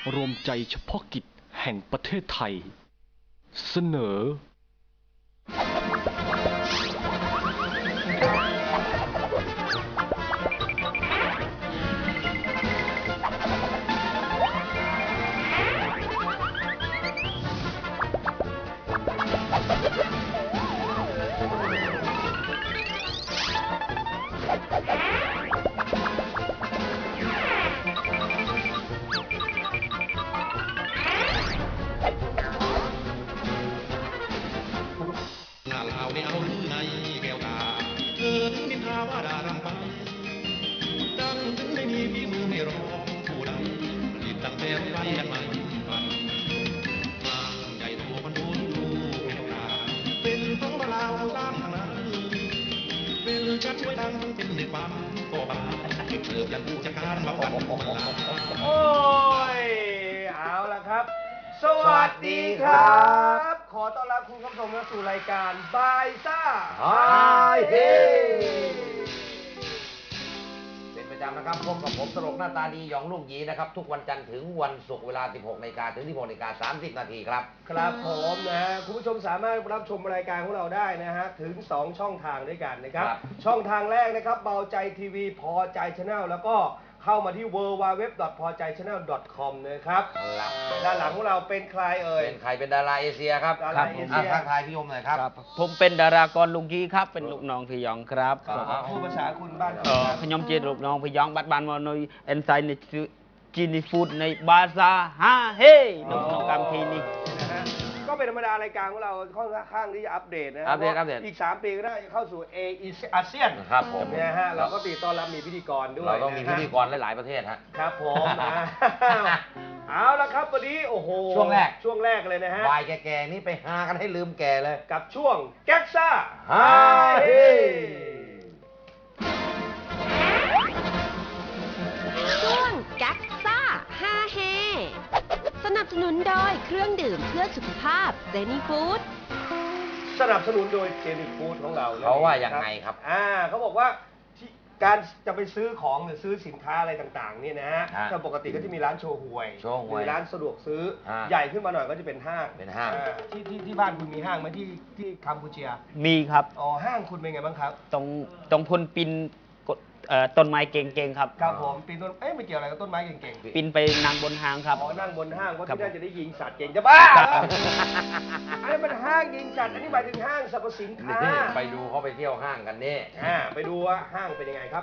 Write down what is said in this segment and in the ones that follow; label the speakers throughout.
Speaker 1: รวมใจเฉพาะกิจแห่งประเทศไทยเสนอ
Speaker 2: ชัดช่วยดังเป็นในความก็บาเกิดยันผู้จัดการมาวันโอ้ยเอาละครับสวัสดีครับขอต้อนรับคุณผู้ชมเข้าสู่รายการบายซ่าไฮเฮเป็นประจำนะครับพบกับผมตลกหน้าตาดีหยองลูกหยีนะครับทุกวันจันทร์ถึงวันศุกร์เวลา 16 นาฬิกาถึง 16 นาฬิกา 30 นาทีครับครับผมนะฮะคุณผู้ชมสามารถรับชมรายการของเราได้นะฮะถึง2ช่องทางด้วยกันนะครับช่องทางแรกนะครับเบาใจทีวีพอใจชาแนลแล้วก็เข้ามาที่ www.pojaichannel.com นะครับด้านหลังของเราเป็นใครเอ่ยเป็นใครเป็นดาราเอเชียครับดาราเอเชียทักทายพี่ยมหน่อยครับ
Speaker 3: ผมเป็นดารากรลุงยีครับเป็นลูกน้องพี่ยองครับ
Speaker 2: พูดภาษาคุณบ้าน
Speaker 3: ขยมเจลูกน้องพี่ยองบัดบานมอนอยเอนไซน์ในจีนิฟูดในบาซาฮาเฮ่น้องกำทีนี่
Speaker 2: ก็เป็นธรรมดารายการของเราค่อนข้างที่จะอัปเดตนะ
Speaker 3: อัปเดต
Speaker 2: อีก3 ปีก็ได้เข้าสู่อาเซียนครับผมนะฮะเราก็ตีต้อนรับมีพิธีกรด้วยเราต้องมีพิธีกรหลายประเทศฮะครับผมเอาละครับวันนี้โอ้โหช่วงแรกเลยนะฮะวายแก่ๆนี่ไปหากันให้ลืมแก่เลยกับช่วงแก๊กซ่าไฮ
Speaker 4: ช่วงแก๊กซ่าฮาเฮสนับสนุนโดยเครื่องดื่มเพื่อสุขภาพเจนี่ฟู้ด
Speaker 2: สนับสนุนโดยเจนี่ฟู้ดของเราเขาว่าอย่างไงครับเขาบอกว่าการจะไปซื้อของหรือซื้อสินค้าอะไรต่างๆเนี่ยนะฮะแต่ปกติก็จะมีร้านโชว์หวยมีร้านสะดวกซื้อใหญ่ขึ้นมาหน่อยก็จะเป็นห้างที่บ้านคุณมีห้างไหมที่กัมพูชี
Speaker 3: มีครับ
Speaker 2: อ๋อห้างคุณเป็นไงบ้างครับ
Speaker 3: ตรงพลปินต้นไม้เก่งๆครับ
Speaker 2: ครับผมปีนต้นไม่เกี่ยวอะไรกับต้นไม้เก่ง
Speaker 3: ๆปีนไปนั่งบนห้างครับ
Speaker 2: อ๋อนั่งบนห้างเพราะที่นั่นจะได้ยิงสัตว์เก่งจะบ้าอันนี้มันห้างยิงสัตว์อันนี้หมายถึงห้างสรรพสินค้าไปดูเขาไปเที่ยวห้างกันนี่ไปดูว่าห้างเป็นยังไงครับ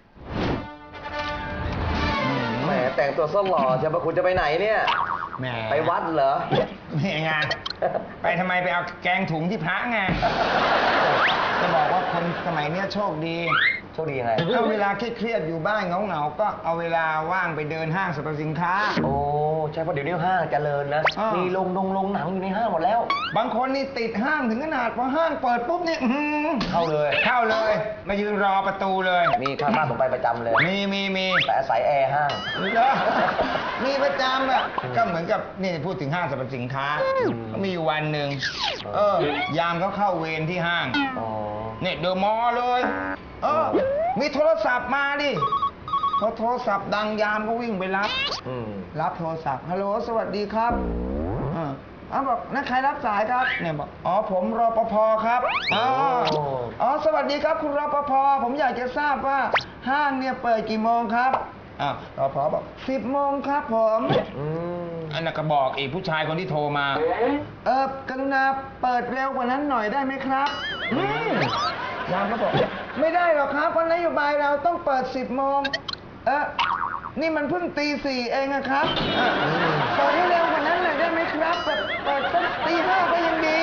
Speaker 2: แหมแต่งตัวสล่อจะมาคุณจะไปไหนเนี่ยไปวัดเหรอ
Speaker 5: ไม่งานไปทำไมไปเอาแกงถุงที่พระไงจะบอกว่าคนสมัยนี้โชคดี
Speaker 2: ยังไง
Speaker 5: ถ้าเวลาเครียดๆอยู่บ้านเหงาๆก็เอาเวลาว่างไปเดินห้างสรรพสินค้า
Speaker 2: โอ้ใช่เพราะเดี๋ยวนี้ห้างเจริญนะมีโรงหนังอยู่ในห้างหมดแล้ว
Speaker 5: บางคนนี่ติดห้างถึงขนาดพอห้างเปิดปุ๊บนี่
Speaker 2: เข้าเลย
Speaker 5: มายืนรอประตูเลย
Speaker 2: มีข้างบ้านผมไปประจำเลย
Speaker 5: มี
Speaker 2: แต่อาศัยแอร์ห้าง
Speaker 5: มีประจำอ่ะก็เหมือนกับนี่พูดถึงห้างสรรพสินค้าก็มีอยู่วันหนึ่งยามเขาเข้าเวรที่ห้างเนี่ยเดอะมอลล์เลยมีโทรศัพท์มาดิพอโทรศัพท์ดังยามก็วิ่งไปรับโทรศัพท์ฮัลโหลสวัสดีครับบอกนั่นใครรับสายครับเนี่ยบอกอ๋อผมรปภครับสวัสดีครับคุณรปภผมอยากจะทราบว่าห้างเนี่ยเปิดกี่โมงครับรปภบอก10 โมงครับผมอันนั้นก็บอกอีกผู้ชายคนที่โทรมากรุณาเปิดเร็วกว่านั้นหน่อยได้ไหมครับยามก็บอกไม่ได้หรอกครับเพราะนโยบายเราต้องเปิด10 โมงนี่มันเพิ่งตี 4เองนะครับเปิดให้เร็วกว่านั้นหน่อยได้ไหมครับเปิดสักตี 5ก็ยังดี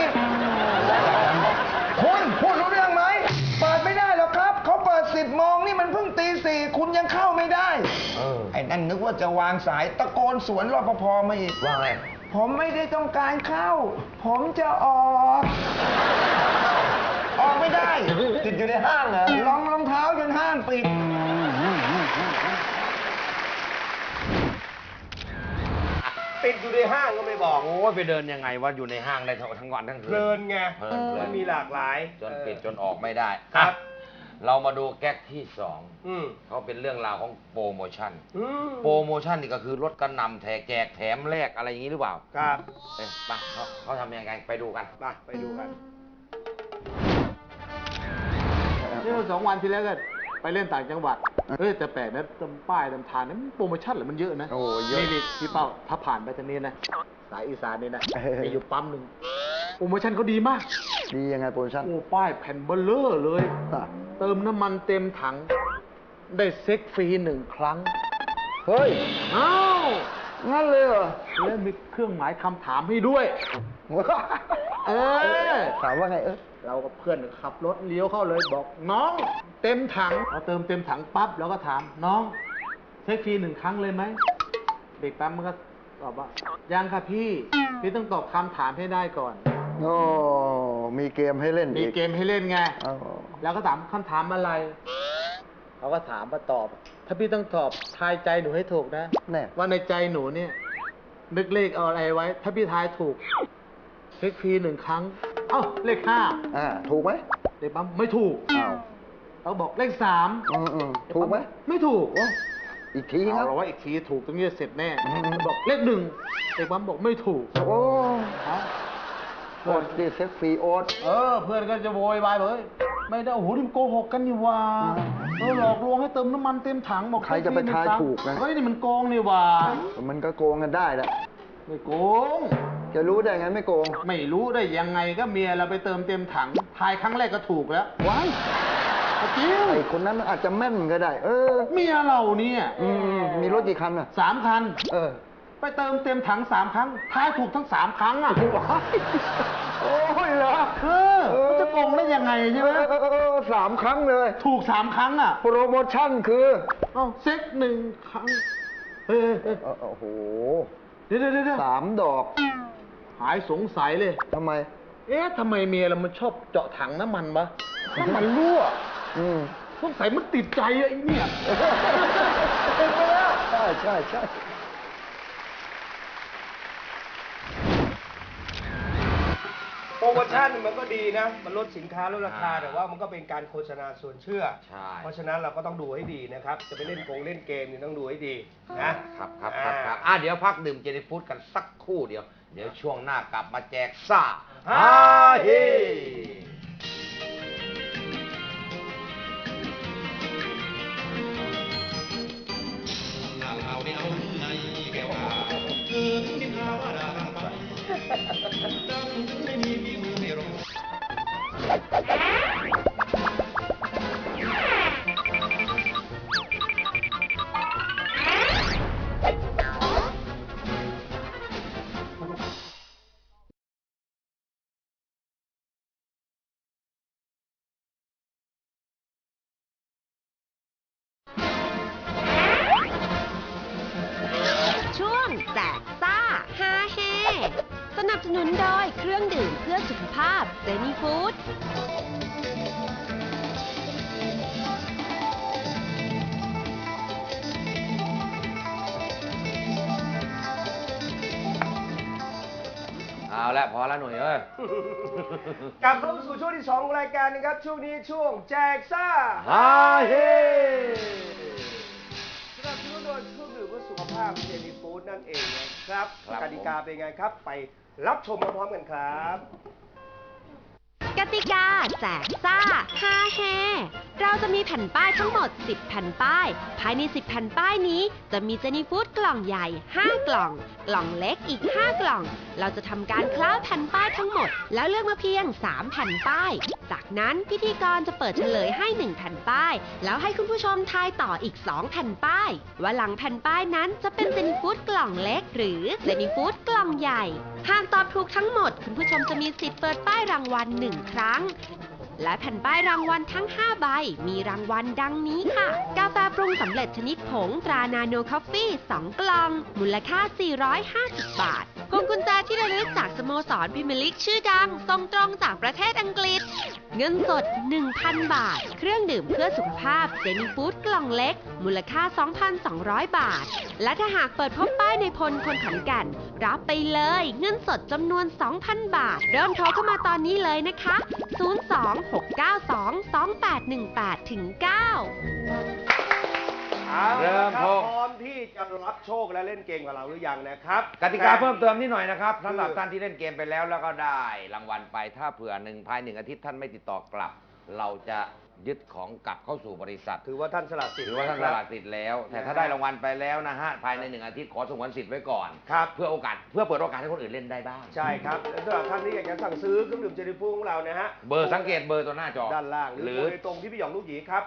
Speaker 5: คุณพูดรู้เรื่องไหมเปิดไม่ได้หรอกครับเขาเปิด10 โมงนี่มันเพิ่งตี 4คุณยังเข้าไม่ได้ไอ้นั่นนึกว่าจะวางสายตะโกนสวนรปภมาอีก
Speaker 2: ว่าไง
Speaker 5: ผมไม่ได้ต้องการเข้าผมจะออกไม่ได้
Speaker 2: ติดอยู่ในห้างเหรอ
Speaker 5: รองเท้าจนห้างปิด
Speaker 2: ติดอยู่ในห้างก็ไม่บอกโอ้ไปเดินยังไงว่าอยู่ในห้างได้ทั้งวันทั้งคืนเพลินไงมันมีหลากหลายจนปิดจนออกไม่ได้ครับเรามาดูแก๊กที่สอง
Speaker 6: อืม
Speaker 2: เขาเป็นเรื่องราวของโปรโมชั่น
Speaker 6: อืม
Speaker 2: โปรโมชั่นนี่ก็คือลดกระหน่ำแจกแถมแลกอะไรอย่างนี้หรือเปล่า
Speaker 6: ครับ
Speaker 2: ไปเขาทำยังไงไปดูกัน
Speaker 6: ไปดูกัน
Speaker 7: นี่2 วันที่แล้วก็ไปเล่นต่างจังหวัดแต่แปลกนะตามป้ายตามทางนั้นโปรโมชั่นเหรอมันเยอะนะ
Speaker 5: โอ้เยอะ
Speaker 7: นี่พี่เป้าถ้าผ่านไปทางนี้นะสายอีสานนี่นะมีอยู่ปั๊มหนึ่งโปรโมชั่นเขาดีมาก
Speaker 5: ดียังไงโปรโมชั่น
Speaker 7: โอ้ป้ายแผ่นเบลเลอร์เลย เติมน้ำมันเต็มถัง ได้เซ็กฟรี1 ครั้ง
Speaker 5: เฮ้ย
Speaker 7: อ้าว
Speaker 5: งั้นเลยเหรอ
Speaker 7: แล้วมีเครื่องหมายคำถามให้ด้วย เออ
Speaker 5: ถามว่าไง
Speaker 7: เรากับเพื่อนขับรถเลี้ยวเข้าเลยบอกน้องเต็มถังพอเติมเต็มถังปั๊บเราก็ถามน้องเช็คฟรี1 ครั้งเลยไหมเด็กปั๊มมันก็ตอบว่ายังค่ะพี่ต้องตอบคำถามให้ได้ก่อน
Speaker 5: โอ้มีเกมให้เล่น
Speaker 7: มี
Speaker 5: อีก
Speaker 7: เกมให้เล่นไง
Speaker 5: อ๋อ
Speaker 7: แล้วก็ถามคำถามอะไรเขาก็ถามมาตอบ ถ้าพี่ต้องตอบทายใจหนูให้ถูกนะ
Speaker 5: แน่
Speaker 7: ว่าในใจหนูเนี่ยนึกเลขเอาอะไรไว้ ถ้าพี่ทายถูกเช็คฟรี1 ครั้งเอ้าเลข 5
Speaker 5: ถูกไหม
Speaker 7: เด็กปั๊มไม่ถูก
Speaker 5: อ้าว
Speaker 7: เราบอกเลข 3
Speaker 5: ถูกไหม
Speaker 7: ไม่ถูก
Speaker 5: อีกทีค
Speaker 7: เอา
Speaker 5: รับ
Speaker 7: เราว่าอีกทีถูกตรงนี้เสร็จแน่
Speaker 5: อืม
Speaker 7: บอกเลข 1เด็กปั๊มบอกไม่ถูก
Speaker 5: โอ้
Speaker 7: ฮะ
Speaker 5: โอ๊ตดิเซ็กฟรีโอ๊ต
Speaker 7: เพื่อนก็จะโวยวายบอกเฮ้ยไม่ได้โอ้โหนี่มันโกหกกันนี่หว่าหลอกลวงให้เติมน้ำมันเต็มถังบอก
Speaker 5: ใครจะไปทายถูกนะ
Speaker 7: เฮ้ยนี่มันโกงนี่หว่า
Speaker 5: มันก็โกงกันได้แหละ
Speaker 7: ไม่โกง
Speaker 5: จะรู้ได้ไงไม่โกง
Speaker 7: ไม่รู้ได้ยังไงก็เมียเราไปเติมเต็มถังทายครั้งแรกก็ถูกแล้ว
Speaker 5: ว้าย
Speaker 7: จริง
Speaker 5: ไอคนนั้นมันอาจจะแม่นก็ได้
Speaker 7: เมียเราเนี่ย
Speaker 5: มีรถกี่คันอ่ะ
Speaker 7: 3 คัน ไปเติมเต็มถัง3 ครั้งทายถูกทั้ง3 ครั้งอ่ะ
Speaker 5: โอ้ยเหรอ
Speaker 7: มันจะโกงได้ยังไงใช่ไหม
Speaker 5: 3 ครั้งเลย
Speaker 7: ถูก3 ครั้งอ่ะ
Speaker 5: โปรโมชั่นคือ
Speaker 7: เอ้าเซ็ก1 ครั้งเฮ้ย
Speaker 5: โอ้โห
Speaker 7: เดี๋ยว
Speaker 5: 3 ดอก
Speaker 7: หายสงสัยเลย
Speaker 5: ทำไม
Speaker 7: ทำไมเมียเรามันชอบเจาะถังน้ำมันวะน้ำมันรั่ว สงสัยมันติดใจอะไอ้เนี่ย
Speaker 5: ใช่
Speaker 6: โปรโมชั่นมันก็ดีนะ มันลดสินค้าลดราคา แต่ว่ามันก็เป็นการโฆษณาส่วนเชื่อ
Speaker 2: ใช่
Speaker 6: เพราะฉะนั้นเราก็ต้องดูให้ดีนะครับ จะไปเล่นเล่นเกมนี่ต้องดูให้ดีนะครับ
Speaker 2: เดี๋ยวพักดื่มเจนี่ฟู้ดกันสักครู่เดียว เดี๋ยวช่วงหน้ากลับมาแจกซ่าฮาเฮ
Speaker 4: ช่วงแจกซ่าฮาเฮสนับสนุนโดยเครื่องดื่มเพื่อสุขภาพเซนีฟู้ด
Speaker 2: เอาละพอแล้วหน่อยเอ้ย
Speaker 6: กลับเข้าสู่ช่วงที่ 2 ของรายการนะครับ ช่วงนี้ช่วงแจกซ่า
Speaker 2: ฮาเฮ
Speaker 6: สนับสนุนโดยเครื่องดื่มเพื่อสุขภาพเจนี่ฟู้ดนั่นเองนะครับ
Speaker 2: ครับ
Speaker 6: กติกาเป็นไงครับ ไปรับชมพร้อมๆกันครับ
Speaker 4: กติกาแจกซ่าฮาเฮเราจะมีแผ่นป้ายทั้งหมด 10 แผ่นป้าย ภายใน 10 แผ่นป้ายนี้ จะมีเจนี่ฟู้ดกล่องใหญ่ 5 กล่อง กล่องเล็กอีก 5 กล่อง เราจะทำการคล้าแผ่นป้ายทั้งหมด แล้วเลือกมาเพียง 3 แผ่นป้าย จากนั้นพิธีกรจะเปิดเฉลยให้ 1 แผ่นป้าย แล้วให้คุณผู้ชมทายต่ออีก 2 แผ่นป้าย ว่าหลังแผ่นป้ายนั้นจะเป็นเจนี่ฟู้ดกล่องเล็ก หรือเจนี่ฟู้ดกล่องใหญ่ หากตอบถูกทั้งหมด คุณผู้ชมจะมีสิทธิ์เปิดป้ายรางวัล 1 ครั้ง และแผ่นป้ายรางวัลทั้ง 5 ใบ มีรางวัลดังนี้ค่ะ กาแฟปรุงสำเร็จชนิดผงตรานาโนคอฟฟี่ 2 กล่อง มูลค่า 450 บาท โกวงกุญแจที่ระลึกจากสโมสรพรีเมียร์ลีกชื่อดังส่งตรงจากประเทศอังกฤษ เงินสด 1,000 บาท เครื่องดื่มเพื่อสุขภาพเจนี่ฟู้ดกล่องเล็ก มูลค่า 2,200 บาท และถ้าหากเปิดพบป้ายในพลคนขอนแก่นรับไปเลยเงินสดจำนวน 2,000 บาท เริ่มโทรเข้ามาตอนนี้เลยนะคะ 026922818 ถึง 9
Speaker 2: เริ่ม
Speaker 6: ค
Speaker 2: โท
Speaker 6: รับ
Speaker 2: ร
Speaker 6: พร้อมที่จะรับโชคและเล่นเกมกับเราหรือยังนะครับ
Speaker 2: กติกาเพิ่มเติมนิดหน่อยนะครับสำหรับท่านที่เล่นเกมไปแล้วก็ได้รางวัลไปถ้าเผื่อภาย1 อาทิตย์ท่านไม่ติดต่อกลับ เราจะยึดของกลับเข้าสู่บริษัท
Speaker 6: ถือว่าท่านสละสิทธิ์
Speaker 2: ถือว่าท่านสละสิทธิ์แล้ว แต่ถ้าได้รางวัลไปแล้วนะฮะภายใน1 อาทิตย์ขอสงวนสิทธิ์ไว้ก่อน
Speaker 6: ครับ
Speaker 2: เพื่อเปิดโอกาสให้คนอื่นเล่นได้บ้าง
Speaker 6: ใช่ครับและสำหรับท่านที่อยากจะสั่งซื้อเครื่องดื่มเจนิฟูของเรานะฮะ
Speaker 2: เบอร์สังเกตเบอร์ตัวหน้าจอ
Speaker 6: ด้านล่าง
Speaker 2: ห
Speaker 6: ห
Speaker 2: รื
Speaker 6: รือ อโดยตรงที่พี่หยองลูกหยีครับ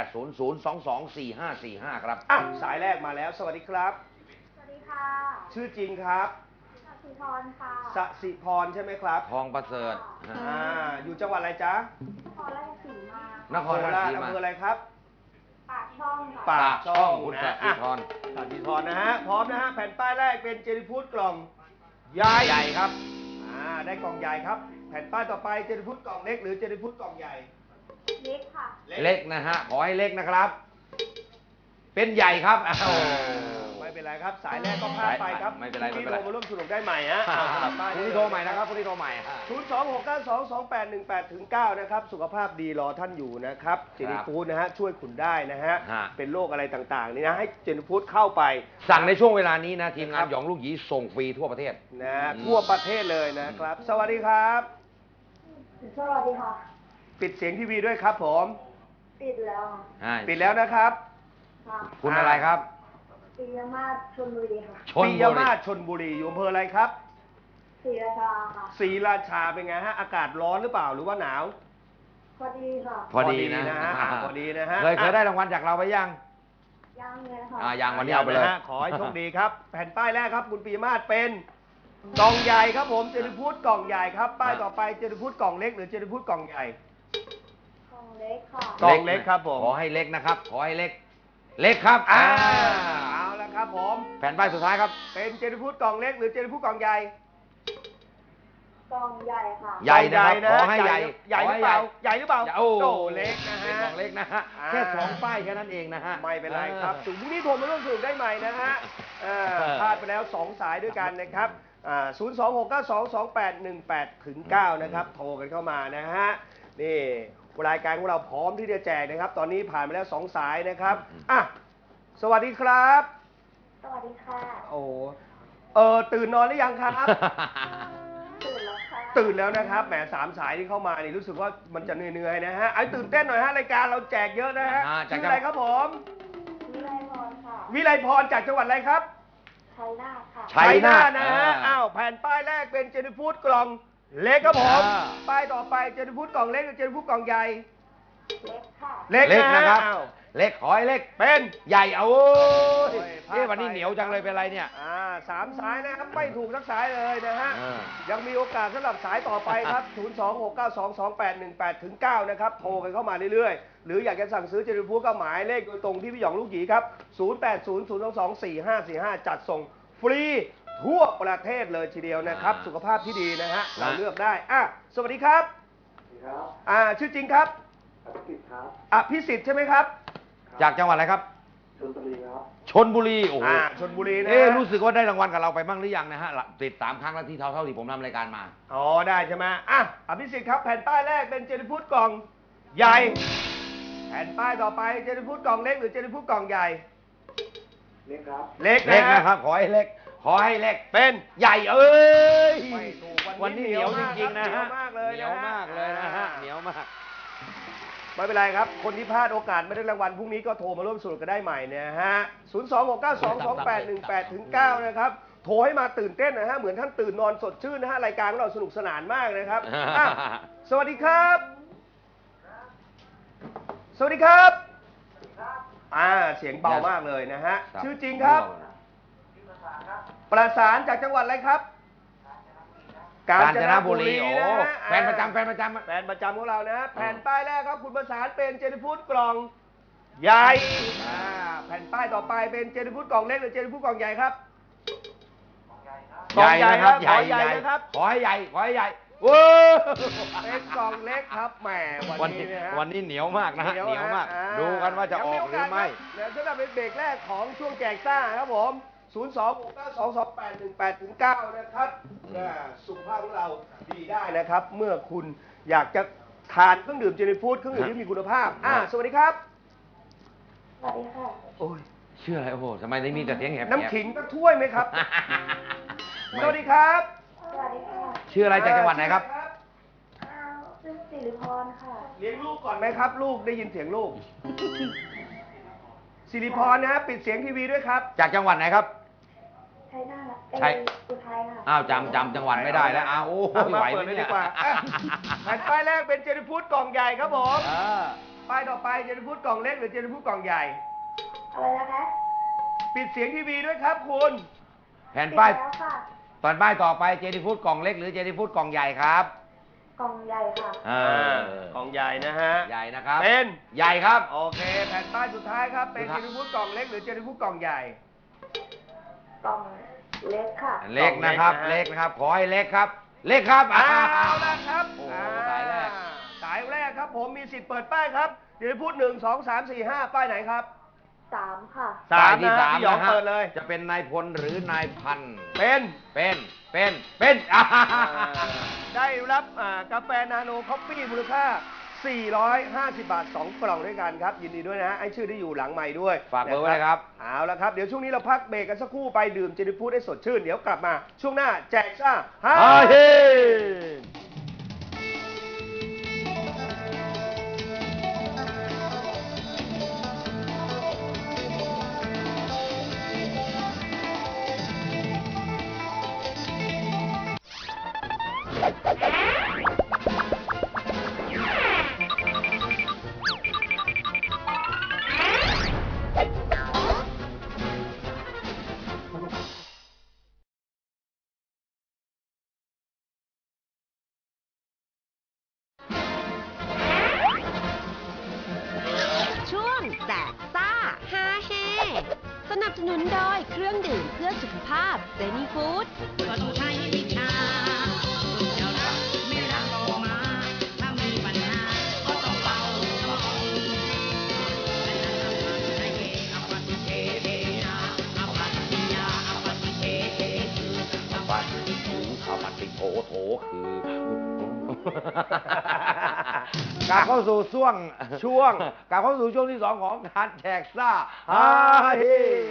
Speaker 2: 0800224545 ครับ
Speaker 6: อ่ะสายแรกมาแล้ว สวัสดีครับ
Speaker 8: สวัสดีค่ะ
Speaker 6: ชื่อจริงครับ
Speaker 8: สุพรค่ะ
Speaker 6: สสิพรใช่ไหมครับ
Speaker 2: ทองประเสริฐ
Speaker 6: อยู่จังหวัดอะไรจ๊ะ
Speaker 8: นครราชสีมา
Speaker 2: นครราชสีมา
Speaker 6: อำเภออะไรครับ
Speaker 8: ปากช่องค่ะ
Speaker 6: ปากช่อง
Speaker 2: คุณ
Speaker 6: นะ
Speaker 2: สัตย์พร
Speaker 6: สัตย์พรนะฮะ พร้อมนะฮะ แผ่นป้ายแรกเป็นเจนิฟูดกล่องใหญ่
Speaker 2: ใหญ่ครับ
Speaker 6: ได้กล่องใหญ่ครับ แผ่นป้ายต่อไปเจนิฟูดกล่องเล็กหรือเจนิฟูดกล่องใหญ่
Speaker 8: เล็กค่ะ
Speaker 2: เล็กนะฮะ ขอให้เล็กนะครับ เป็นใหญ่ครับอ้าว
Speaker 6: ไม่เป็นไรครับ สายแรกก็พลาดไปครับ
Speaker 2: ไม่เป็นไร
Speaker 6: พ
Speaker 2: ไม่
Speaker 6: รุ่ง
Speaker 2: เป็นไร
Speaker 6: โทรมาร่วมสนุกได้ใหม่ฮะเอาสลับป้าย
Speaker 2: พรุ่งนี้โทรใหม่นะครับพรุ่งนี้โทรใหม่ฮะ
Speaker 6: 026922818ถึง9นะครับ สุขภาพดีรอท่านอยู่นะครับ เจนิฟูดนะฮะ ช่วยคุณได้นะฮะ
Speaker 2: ฮะ
Speaker 6: เป็นโรคอะไรต่างๆนี่นะ ให้เจนิฟูดเข้าไป
Speaker 2: สั่งในช่วงเวลานี้นะ ทีมงา
Speaker 6: ครั
Speaker 2: น
Speaker 6: บ
Speaker 2: หยองลูกหยีส่งฟรีทั่วประเทศ
Speaker 6: นะทั่วประเทศเลยนะครับ สวัสดีครับ
Speaker 8: สวัสดีค่ะ
Speaker 6: ปิดเสียงทีวีด้วยครับผม
Speaker 8: ปิดแล้วค่ะ
Speaker 6: ปิดแล้วนะครับ
Speaker 8: ค่ะ
Speaker 2: คุณอะไรครับ
Speaker 8: ปียมาศชลบุรีค่ะ
Speaker 2: ชน
Speaker 6: ปิ
Speaker 2: บุ
Speaker 6: ย
Speaker 2: รี
Speaker 6: มาศชนบุรีอยู่อำเภออะไรครับ
Speaker 8: ศรีราชาค่ะ
Speaker 6: ศรีราชาเป็นไงฮะ อากาศร้อนหรือเปล่าหรือว่าหนาว
Speaker 8: พอดีค่ะ
Speaker 2: พอดีนะ
Speaker 6: พอดีนะฮะ
Speaker 2: เคยได้รางวัลจากเราไปยัง
Speaker 8: ย่างเลยค่ะ
Speaker 2: ยังวันนี้เอาไปเลย
Speaker 6: นะฮะขอให้โชคดีครับ แผ่นป้ายแรกครับ คุณปิยมาศเป็นกล่องใหญ่ครับผม เจนิฟูดกล่องใหญ่ครับ ป้ายต่อไปเจนิฟูดกล่องเล็กหรือเจนิฟูดกล่องใหญ่
Speaker 8: ของเล็กค่ะ
Speaker 6: กล่องเล็กครับผม
Speaker 2: ขอให้เล็กนะครับ ขอให้เล็ก เล็กครับ
Speaker 6: เอาละครับผม
Speaker 2: แผ่นป้ายสุดท้ายครับ
Speaker 6: เป็นเจนิฟูดกล่องเล็กหรือเจนิฟูดกล่องใหญ่
Speaker 8: กล่องใหญ่ค่ะ
Speaker 2: ใหญ่นะครับ
Speaker 6: กล่
Speaker 2: ข
Speaker 6: ง
Speaker 2: อให้ใหญ่
Speaker 6: ใหญ่หรือเปล่าใหญ่หรือเปล่า
Speaker 2: โอ้
Speaker 6: โตเล็กนะ
Speaker 2: เป็น
Speaker 6: ฮะ
Speaker 2: กล่องเล็กนะฮะ แค่2 ป้ายแค่นั้นเองนะฮะ
Speaker 6: ไม่เป็นไรครับถึงพรุ่งนี้โทรมาร่วมสนุกได้ใหม่นะฮะพลาดไปแล้ว 2 สายด้วยกันนะครับ026922818ถึง9นะครับ โทรกันเข้ามานะฮะ นี่รายการของเราพร้อมที่จะแจกนะครับ ตอนนี้ผ่านไปแล้ว 2 สายนะครับ อ่ะ สวัสดีครับ
Speaker 8: สวัสดีค่ะ
Speaker 6: โอ้ตื่นนอนหรือยังครับ
Speaker 8: ตื่นแล้วค่ะ
Speaker 6: ตื่นแล้วนะครับ แหม3 สายที่เข้ามานี่รู้สึกว่ามันจะเหนื่อยๆนะฮะไอ้ตื่นเต้นหน่อยฮะรายการเราแจกเยอะนะฮะ
Speaker 2: จาก
Speaker 6: ชื่ออะไรครับผม
Speaker 8: วิไลพรค่ะ
Speaker 6: วิไลพรจากจังหวัดอะไรครับ
Speaker 8: ชัยนาทค่ะ
Speaker 2: ชัยนาท
Speaker 6: นะฮะ อ้าว แผ่นป้ายแรกเป็นเจนิฟูดกล่องเล็กครับผม ป้ายต่อไปเจนิฟูดกล่องเล็กหรือเจนิฟูดกล่องใหญ่
Speaker 8: เล็กค่ะ
Speaker 6: เล็ก
Speaker 2: เล็กนะครับ
Speaker 6: อ้าว
Speaker 2: เล็กขอให้เล็ก
Speaker 6: เป็น
Speaker 2: ใหญ่เอา
Speaker 6: โอ้ยพลาดไป
Speaker 2: วันนี้เหนียวจังเลยเป็นไรเนี่ย
Speaker 6: 3 สายนะครับ ไม่ถูกสักสายเลยนะฮะ ยังมีโอกาสสำหรับสายต่อไปครับ 026922818ถึง9นะครับ โทรกันเข้ามาเรื่อยๆ หรืออยากจะสั่งซื้อเจนิฟูดก็หมายเลขโดยตรงที่พี่หยองลูกหยีครับ 0800224545 จัดส่งฟรีทั่วประเทศเลยทีเดียวนะครับ สุขภาพที่ดีนะฮะ เราเลือกได้สวัสดีครับชื่อจริงครับพิสิทธิ์ใช่ไหมครับ
Speaker 2: จากจังหวัดอะไรครับชลบุรีครับชลบุรีโอ้โห
Speaker 6: ชลบุรีนะ
Speaker 2: รู้สึกว่าได้รางวัลกับเราไปบ้างหรือยังนะฮะติด3 ครั้งแล้วที่เท่าที่ผมทำรายการมา
Speaker 6: อ๋อได้ใช่ไหมพิสิทธิ์ครับแผ่นป้ายแรกเป็นเจนิฟูดกล่องใหญ่ แผ่นป้ายต่อไปเจนิฟูดกล่องเล็กหรือเจนิฟูดกล่องใหญ่ เล็กครับ เล็ก
Speaker 2: เล็ก
Speaker 6: นะ
Speaker 2: นะครับ ขอให้เล็ก ขอให้เล็ก
Speaker 6: เป็น
Speaker 2: ใหญ่เอ้ย
Speaker 6: ไม่ถูก
Speaker 2: วันนี้เหนียวจริงๆนะฮะ
Speaker 6: เหนียวมากเลย
Speaker 2: เหนียวมากเลยนะฮะเหนียวมาก
Speaker 6: ไม่เป็นไรครับ คนที่พลาดโอกาสไม่ได้รางวัลพรุ่งนี้ก็โทรมาร่วมสนุกกันได้ใหม่นะฮะ 026922818ถึง9นะครับ โทรให้มาตื่นเต้นนะฮะ เหมือนท่านตื่นนอนสดชื่นนะฮะ รายการของเราสนุกสนานมากนะครับสวัสดีครับ สวัสดีครับ เสียงเบามากเลยนะฮะ ชื่อจริงครับ ประสานจากจังหวัดอะไรครับ
Speaker 2: กาญจนบุรี
Speaker 6: นะ
Speaker 2: โอ้
Speaker 6: ฮะ
Speaker 2: แฟนประจำ
Speaker 6: แฟนประจำของเรานะฮะ แผ่นป้ายแรกครับ คุณประสานเป็นเจนิฟูดกล่องใหญ่แผ่นป้ายต่อไปเป็นเจนิฟูดกล่องเล็กหรือเจนิฟูดกล่องใหญ่ครับ
Speaker 2: กล่องใหญ่ครับ
Speaker 6: ใหญ่
Speaker 2: ใหญ่
Speaker 6: นะครับ
Speaker 2: ขอให้ใหญ่ขอให้ใหญ่เว้ย
Speaker 6: เป็นกล่องเล็กครับแหมวันนี้นะฮะ
Speaker 2: วันนี้เหนียวมากนะฮะเหนียวมาก
Speaker 6: อ่
Speaker 2: ดูกันว่าจะออกหรือไม่
Speaker 6: เดี๋ยวสำหรับเป็นเบรกแรกของช่วงแจกซ่าครับผม 026922818-9 นะครับสุขภาพของเราดีได้นะครับ เมื่อคุณอยากจะทานเครื่องดื่มเจนิฟูดเครื่องดื่มที่มีคุณภาพสวัสดีครับ
Speaker 8: สวัสดีค่ะ
Speaker 6: โอ้ย
Speaker 2: ชื่ออะไรโอ้โหทำไมได้มีแต่เสียงแหบๆ
Speaker 6: น้ำขิงสักถ้วยไหมครับ สวัสดีครับ
Speaker 8: สวัสดีค่ะ
Speaker 2: ชื่ออะไรจากจังหวัดไหนครับ
Speaker 8: ชื่อสิริพรค่ะ
Speaker 6: เลี้ยงลูกก่อนไหมครับ ลูกได้ยินเสียงลูก สิริพรนะปิดเสียงทีวีด้วยครับ
Speaker 2: จากจังหวัดไหนครับ
Speaker 8: ชัยนาท
Speaker 2: ชัย
Speaker 8: อุทัยค่ะ
Speaker 2: อ้าวจำจังหวัดไม่ได้แล้วอ้าวโอ้โห
Speaker 6: เอามา
Speaker 2: ไหว
Speaker 6: เปิ
Speaker 2: ไหม
Speaker 6: ดเลย
Speaker 2: เนี่
Speaker 6: ดี
Speaker 2: ย
Speaker 6: กว่าอ่ะแผ่นป้ายแรกเป็นเจนิฟูดกล่องใหญ่ครับผม ป้ายต่อไปเจนิฟูดกล่องเล็กหรือเจนิฟูดกล่องใหญ่
Speaker 8: อะไรนะคะ
Speaker 6: ปิดเสียงทีวีด้วยครับคุณ
Speaker 2: แผ่นป้าย
Speaker 8: ปิดแล้วค่ะ
Speaker 2: ตอนป้ายต่อไปเจนี่ฟูดกล่องเล็กหรือเจนี่ฟูดกล่องใหญ่ครับ
Speaker 8: กล่องใหญ่ค่ะ
Speaker 6: กล่องใหญ่นะฮะ
Speaker 2: ใหญ่นะครับ
Speaker 6: เป็น
Speaker 2: ใหญ่ครับ
Speaker 6: โอเค แผ่นป้ายสุดท้ายครับ เป็น
Speaker 2: สุ
Speaker 6: เจ
Speaker 2: ดท้าย
Speaker 6: นิฟูดกล่องเล็กหรือเจนิฟูดกล่องใหญ่
Speaker 8: กล่องเล็กค่ะ
Speaker 2: เล็กนะครับ
Speaker 6: กล่องเล็
Speaker 2: เล็
Speaker 6: ก
Speaker 2: ก
Speaker 6: นะ
Speaker 2: นะครับ ขอให้เล็กครับ เล็กครับ
Speaker 6: เอาละครับ
Speaker 2: โอ้โหสายแรก
Speaker 6: สายแรกครับผมมีสิทธิ์เปิดป้ายครับเดี๋ยวพูด1 2 3 4 5 ป้ายไหนครับ
Speaker 8: 3 ค่ะ
Speaker 2: ป้ายที่
Speaker 6: นะ
Speaker 2: สาม
Speaker 6: พี่หยอง
Speaker 2: นะฮะ
Speaker 6: เปิดเลย
Speaker 2: จะเป็นนายพลหรือนายพัน
Speaker 6: เป็น
Speaker 2: เป็น
Speaker 6: ได้รับกาแฟนาโนคอฟฟี่มูลค่า 450 บาท 2 กล่องด้วยกันครับ ยินดีด้วยนะฮะไอ้ชื่อที่อยู่หลังใหม่ด้วย
Speaker 2: ฝากเบอร์ไว้เลยครับ
Speaker 6: เอาละครับ เดี๋ยวช่วงนี้เราพักเบรกกันสักครู่ไปดื่มเจนิฟูดให้สดชื่น เดี๋ยวกลับมาช่วงหน้าแจกซ่าฮา
Speaker 2: เฮ้
Speaker 4: ช่วงแจกซ่าฮาเฮสนับสนุนโดยเครื่องดื่มเพื่อสุขภาพเจนี่ฟู้ด
Speaker 9: ก็ต้องใช้วิชาคุณจะรักไม่รักออกมา ถ้ามีปัญหาก็ต้องเป่าสมองและนั่นทำมาให้เฮอปฏิเทเทนาอปฏิยาอปฏิเทเทคืออปฏิถู
Speaker 2: ข้าวผัดติโถคือก ลับเข้าสู่ช่วง กลับเข้าสู่ช่วงที่ 2 ของการแจกซ่าฮาเฮ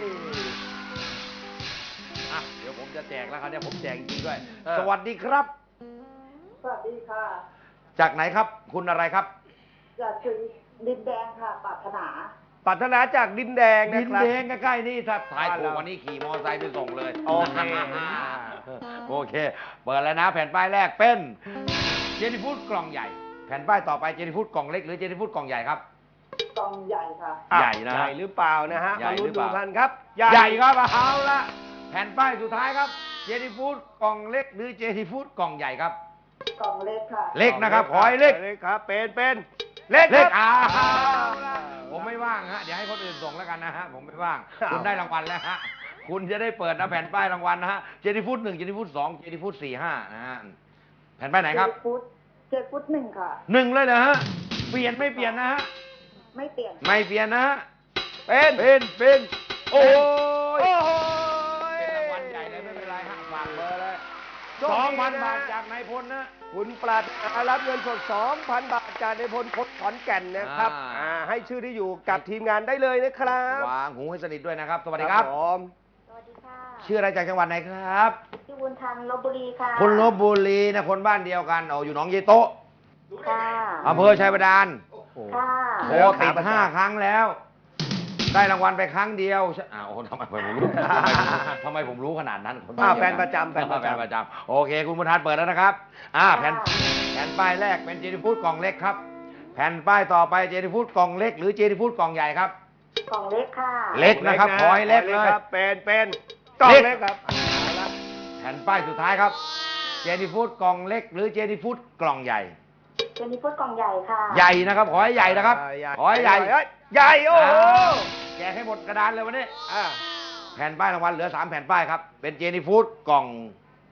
Speaker 2: เดี๋ยวผมจะแจกแล้วครับเนี่ยผมแจกจริงๆด้วย สวัสดีครับ
Speaker 8: สวัสดีค่ะ
Speaker 2: จากไหนครับ คุณอะไรครับ
Speaker 8: จากถึงดินแดงค่ะปรารถนา
Speaker 6: ปรารถนาจากดินแดง
Speaker 2: ดิ
Speaker 6: นะ
Speaker 2: น
Speaker 6: ครับ
Speaker 2: แดงใกล้ๆนี่ถ้าถ่ายถูก
Speaker 6: บ้านเรา
Speaker 2: วันนี้ขี่มอเตอร์ไซค์ไปส่งเลย
Speaker 6: โอเค
Speaker 2: โอเค เปิดแล้วนะ แผ่นป้ายแรกเป็นเจนี่ฟูดกล่องใหญ่ แผ่นป้ายต่อไปเจนี่ฟูดกล่องเล็กหรือเจนี่ฟูดกล่องใหญ่ครับ
Speaker 8: กล่องใหญ่ค่ะ
Speaker 2: ใหญ่นะ
Speaker 6: ใหญ่หรือเปล่านะฮะ
Speaker 2: ใหญ่
Speaker 6: มาลุ้น
Speaker 2: หรือเป
Speaker 6: ดู
Speaker 2: ล่า
Speaker 6: กันครับ
Speaker 2: ใหญ่ครับเอาละแผ่นป้ายสุดท้ายครับเจนี่ฟูดกล่องเล็กหรือเจนี่ฟูดกล่องใหญ่ครับ
Speaker 8: กล่องเล็กค่ะ
Speaker 2: เล็กนะครับขอให้เล็ก
Speaker 6: เล็กครับ เป็นเล็ก
Speaker 2: เล็ก
Speaker 6: ครับ
Speaker 2: ผมไม่ว่างฮะเดี๋ยวให้คนอื่นส่งแล้วกันนะฮะผมไม่ว่าง
Speaker 6: อ้าว
Speaker 2: คุณได้รางวัลแล้วฮะคุณจะได้เปิดนะแผ่นป้ายรางวัลนะฮะเจนี่ฟูด1เจนี่ฟูด2เจนี่ฟูด4 5นะฮะแผ่นป้ายไหนครับ
Speaker 8: 7 ฟุต 1 ค่ะ
Speaker 2: 1เลยนะฮะเปลี่ยนไม่เปลี่ยนนะฮะ
Speaker 8: ไม่เปลี่ยน
Speaker 2: ไม่เปลี่ยนนะฮะ
Speaker 6: เป็น
Speaker 2: โอ้ย
Speaker 6: โอ้โห
Speaker 2: เป็นรางวัลใหญ่เลยไม่เป็นไรฮะฝากเบอร์เลย
Speaker 6: โชคดีนะ
Speaker 2: 2,000 บาทจากนายพลนะ
Speaker 6: คุณปราดรับเงินสด 2,000 บาทจากในพลคนขอนแก่นนะครับ ให้ชื่อที่อยู่กับทีมงานได้เลยนะครับ
Speaker 2: วางหูให้สนิทด้วยนะครับ สวัสดีครับ
Speaker 6: ผม
Speaker 8: สวัสดีค่ะ
Speaker 2: ชื่ออะไรจากจังหวัดไหนครับ
Speaker 8: ชื่อบุญทันลบบุรีค่ะ
Speaker 2: คนลบบุรีนะคนบ้านเดียวกันอยู่หนองเยโต๊ะ
Speaker 8: ค่ะ
Speaker 2: อำเภอชัยบาดาล
Speaker 8: ค่ะ
Speaker 2: โทรติด5 ครั้งแล้ว ได้รางวัลไปครั้งเดียวโอ้ทำไมผมรู้ทำไมผมรู้ขนาดนั้นคน
Speaker 6: แฟนประจำ
Speaker 2: แฟนประจำโอเค คุณบุญทันเปิดแล้วนะครับแผ่นป้ายแรกเป็นเจนี่ฟูดกล่องเล็กครับ แผ่นป้ายต่อไปเจนี่ฟูดกล่องเล็กหรือเจนี่ฟูดกล่องใหญ่ครับ
Speaker 8: กล่องเล็กค่ะ
Speaker 2: เล็กนะครับขอให้เล็กเลย
Speaker 6: ครับเป็นกล่องเล็กครับเอาละ
Speaker 2: แผ่นป้ายสุดท้ายครับเจนี่ฟูดกล่องเล็กหรือเจนี่ฟูดกล่องใหญ่
Speaker 8: เจนี่ฟูดกล่องใหญ่ค่ะ
Speaker 2: ใหญ่นะครับขอให้ใหญ่นะครับขอให้ใหญ่
Speaker 6: ใหญ่โอ้โห
Speaker 2: แกะให้หมดกระดานเลยวันนี้
Speaker 6: อ่า
Speaker 2: แผ่นป้ายรางวัลเหลือ3 แผ่นป้ายครับเป็นเจนี่ฟูดกล่อง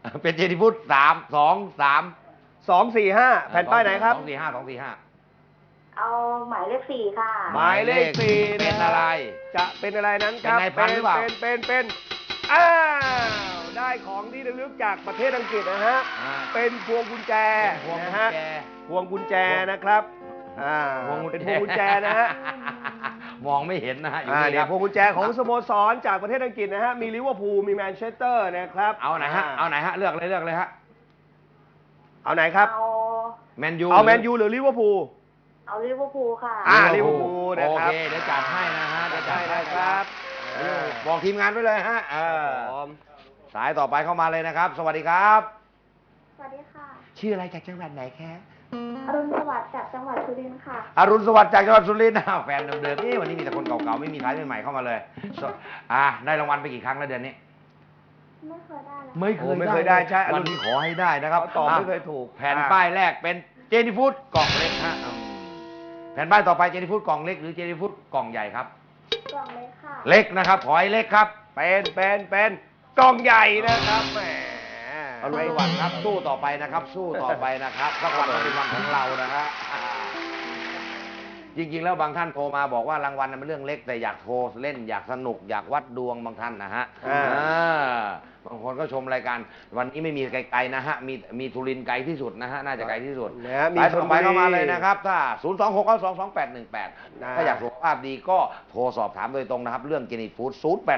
Speaker 2: เป็นเจนิฟูด
Speaker 6: 245 แผ่นป้ายไหนครับ
Speaker 2: 245
Speaker 8: เอาหมายเลข 4 ค่ะ
Speaker 6: หมายเลข 4
Speaker 2: เป็นอะไร
Speaker 6: จะเป็นอะไรนั้นครับ
Speaker 2: เป็นนายพันหรือเปล่า
Speaker 6: เป็นอ้าวได้ของที่ระลึกจากประเทศอังกฤษนะฮะ เป็นพวงกุญแจ
Speaker 2: พวงกุ
Speaker 6: นะ
Speaker 2: ญ
Speaker 6: ฮะ
Speaker 2: แจ
Speaker 6: พวงกุญแจนะครับเป็นพวงกุญแจนะฮะ
Speaker 2: มองไม่เห็นนะฮะอยู่
Speaker 6: เดี๋
Speaker 2: นี่
Speaker 6: ย
Speaker 2: คว รับ
Speaker 6: พวงกุญแจของสโมสรจากประเทศอังกฤษนะฮะ มีลิเวอร์พูล มีแมนเชสเตอร์นะครับ
Speaker 2: เอาไหนฮะ เอาไหนฮะ เลือกเลยฮะ
Speaker 6: เอาไหนครับ
Speaker 8: เอา
Speaker 2: แมนยู
Speaker 6: เอาแมนยูหรือลิเวอร์พูล
Speaker 8: เอาลิเวอร์พูลค่ะ
Speaker 6: ลิเวอร์พูลนะครับ
Speaker 2: โอเคเดี๋ยวจัดให้นะฮะเดี๋ยวจัดให้
Speaker 6: ได้ครับ
Speaker 2: บอกทีมงานไว้เลยฮะ
Speaker 6: ผม
Speaker 2: สายต่อไปเข้ามาเลยนะครับ สวัสดีครับ
Speaker 8: สวัสดีค่ะ
Speaker 2: ชื่ออะไรจากจังหวัดไหนคะ
Speaker 8: อรุณสวัสดิ์จากจังหวัดสุรินทร์ค่ะ
Speaker 2: อรุณสวัสดิ์จากจังหวัดสุรินทร์แฟนเดิมๆนี่วันนี้มีแต่คนเก่าๆไม่มีใครใหม่ๆเข้ามาเลยได้รางวัลไปกี่ครั้งแล้วเดือนนี้
Speaker 8: ไม่เคยได้เลย
Speaker 6: ไม่เคยได้ใช่
Speaker 2: วันนี้ขอให้ได้นะครับ
Speaker 6: ตอบไม่เคยถูก
Speaker 2: แผ่นป้ายแรกเป็นเจนี่ฟูดกล่องเล็กฮะแผ่นป้ายต่อไปเจนี่ฟูดกล่องเล็กหรือเจนี่ฟูดกล่องใหญ่ครับ
Speaker 8: กล่องเล็กค่ะ
Speaker 2: เล็กนะครับขอให้เล็กครับ
Speaker 6: เป็นกล่องใหญ่นะครับแหม
Speaker 2: อรุณสวัสดิ์ครับสู้ต่อไปนะครับ สู้ต่อไปนะครับสักวันต้องเป็นวันของเรานะฮะจริงๆแล้วบางท่านโทรมาบอกว่ารางวัลเป็นเรื่องเล็กแต่อยากโทรเล่นอยากสนุกอยากวัดดวงบางท่านนะฮะบางคนก็ชมรายการวันนี้ไม่มีไกลๆนะฮะมีทุรินทร์ไกลที่สุดนะฮะน่าจะไกลที่สุด
Speaker 6: มี
Speaker 2: สาย
Speaker 6: ช
Speaker 2: ต่
Speaker 6: น
Speaker 2: อ
Speaker 6: บุ
Speaker 2: ไป
Speaker 6: รี
Speaker 2: เข้ามาเลยนะครับถ้า 026922818 ถ้าอยากสุขภาพดีก็โทรสอบถามโดยตรงนะครับ เรื่องเจนี่ฟู้ด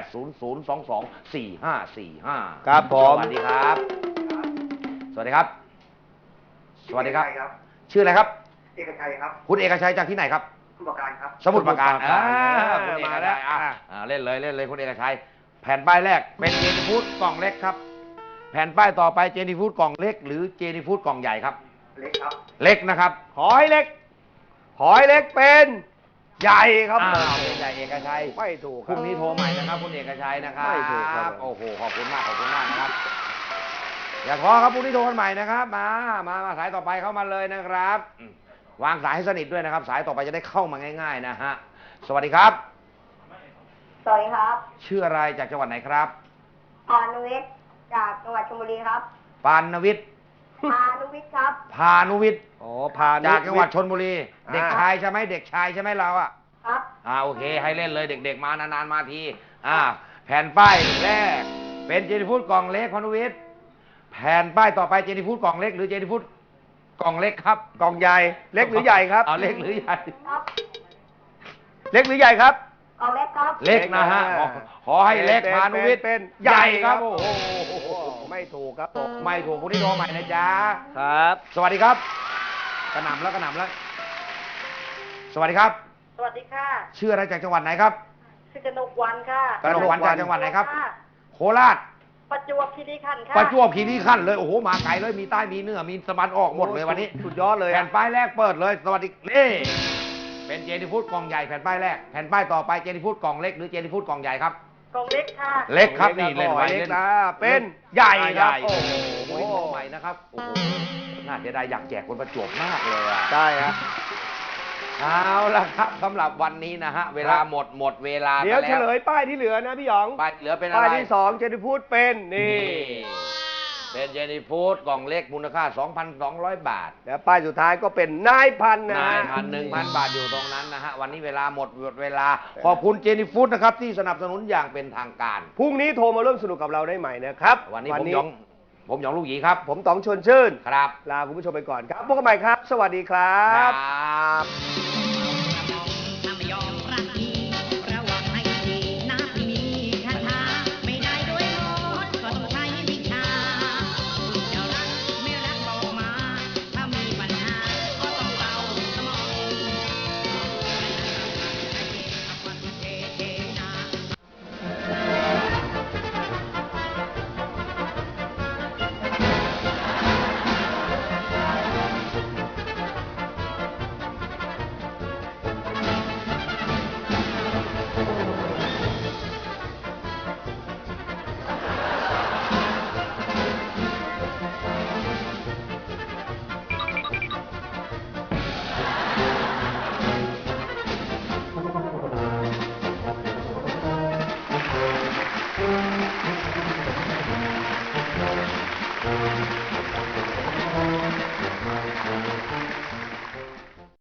Speaker 2: 0800224545
Speaker 6: ครับผม
Speaker 2: สวัสดีครับ สวัสดีครับ สวัสดีครับ ชื่ออะไรครับ
Speaker 10: เอกชัยครับ
Speaker 2: คุณเอกชัยจากที่ไหนครับ
Speaker 10: ผู้ประการครับ
Speaker 2: สมุทรปราการ
Speaker 6: คุณ
Speaker 2: คุณเอก
Speaker 6: มาแล้
Speaker 2: ชั
Speaker 6: วย
Speaker 2: เล่นเลยคุณเอกชัย แผ่นป้ายแรกเป็นเจนี่ฟู้ดกล่องเล็กครับ แผ่นป้ายต่อไปเจนี่ฟู้ดกล่องเล็กหรือเจนี่ฟู้ดกล่องใหญ่ครับ
Speaker 10: เล็กครับ
Speaker 2: เล็กนะครับ
Speaker 6: ขอให้เล็กเป็นใหญ่ครับ
Speaker 2: เป็นใหญ่เอกชัย
Speaker 6: ไม่ถูก
Speaker 2: พรุ่งนี้โทรใหม่นะครับคุณเอกชัยนะครับ
Speaker 6: ไม่ถูกครับ
Speaker 2: โอ้โหขอบคุณมากนะครับ อย่าท้อครับพรุ่งนี้โทรกันใหม่นะครับมาสายต่อไปเข้ามาเลยนะครับวางสายให้สนิทด้วยนะครับ สายต่อไปจะได้เข้ามาง่าย ๆนะฮะสวัสดีครับ
Speaker 8: สวัสดีครับ
Speaker 2: ชื่ออะไรจากจังหวัดไหนครับ
Speaker 8: พานุวิทย์จากจังหวัดชลบุรีครับ
Speaker 2: ปานวิทย์
Speaker 8: พานุวิทย์ครับ
Speaker 2: พานุวิทย์
Speaker 6: พานุ
Speaker 2: จากจังหวัดชลบุรี
Speaker 6: อ่า
Speaker 2: เด็กชายใช่ไหมเด็กชายใช่ไหมเราอ่ะ
Speaker 8: ครับ
Speaker 2: โอเคให้เล่นเลยเด็กๆมานานๆมาทีแผ่นป้ายแรกเป็นเจนี่ฟู้ดกล่องเล็กพานุวิทย์แผ่นป้ายต่อไปเจนี่ฟู้ดกล่องเล็กหรือเจนี่ฟู้ดกล่องเล็กครับ
Speaker 6: กล่องใหญ่เล็กหรือใหญ่ครับ
Speaker 2: เอาเล็กหรือใหญ่
Speaker 8: ครับ
Speaker 6: เล็กหรือใหญ่ครับ
Speaker 8: กล่องเล็กครับ
Speaker 2: เล็กนะฮะขอให้เล็กพานุวิทย์
Speaker 6: เป็น
Speaker 2: ใหญ่ครับ
Speaker 6: โอ้
Speaker 2: โอ้
Speaker 6: โห
Speaker 2: โห
Speaker 6: ไม่ถูกครับผม
Speaker 2: ไม่ถูกคุณที่โทรใหม่นะจ๊ะ
Speaker 6: ครับ
Speaker 2: สวัสดีครับกระหน่ำแล้ว สวัสดีครับ
Speaker 8: สวัสดีค่ะ
Speaker 2: ชื่ออะไรจากจังหวัดไหนครับ
Speaker 8: ชื่อกนกวันค่ะ
Speaker 2: กนกวรรณจากจังหวัดไหนครับ โคราช
Speaker 8: ประจวบคีรีขันธ์ค่ะ
Speaker 2: ประจวบคีรีขันธ์เลยโอ้โหมาไกลเลยมีใต้มีเหนือมีสะบันออกหมดเลยวันนี้
Speaker 6: สุดยอดเลย
Speaker 2: แผ่นป้ายแรกเปิดเลย สวัสดีนี่เป็นเจนี่ฟู้ดกล่องใหญ่แผ่นป้ายแรกแผ่นป้ายต่อไปเจนี่ฟู้ดกล่องเล็กหรือเจนี่ฟู้ดกล่องใหญ่ครับ
Speaker 8: กล่องเล็กค่ะ
Speaker 2: เล็กครับนี่เล่นไว้
Speaker 6: เล็
Speaker 2: เล่
Speaker 6: ก
Speaker 2: น
Speaker 6: นะเป็นใหญ่ครับ
Speaker 2: โอ้
Speaker 6: โอ้
Speaker 2: โห
Speaker 6: โห
Speaker 2: ใหม่นะครับโอ้โหน่าจะได้อยากแจกคนประจวบมากเลยอ่ะ
Speaker 6: ได้ฮะ
Speaker 2: เอาละครับสำหรับวันนี้นะฮะเวลาหมดเวลา
Speaker 6: เดี๋ยว
Speaker 2: ไป
Speaker 6: เฉ
Speaker 2: แล้ว
Speaker 6: ลยป้ายที่เหลือนะพี่หยอง
Speaker 2: ป้ายเหลือเป็นอะ
Speaker 6: ป้าย
Speaker 2: ไร
Speaker 6: ที่สองเจนพูดเป็นนี่
Speaker 2: เป็นเจนี่ฟู้ดกล่องเล็กมูลค่า 2,200 บาท
Speaker 6: แล้วป้ายสุดท้ายก็เป็นนายพันนะ
Speaker 2: นายพัน1,000 บาทอยู่ตรงนั้นนะฮะวันนี้เวลาหมดเวลาขอบคุณเจนี่ฟู้ดนะครับที่สนับสนุนอย่างเป็นทางการ
Speaker 6: พรุ่งนี้โทรมาร่วมสนุกกับเราได้ใหม่นะครับ
Speaker 2: วันนี้ผมหยองลูกหยีครับ
Speaker 6: ผมต๋องชวนชื่น
Speaker 2: ครับ
Speaker 6: ลาคุณผู้ชมไปก่อนครับพบกันใหม่ครับ สวัสดีครั
Speaker 2: ครับ บ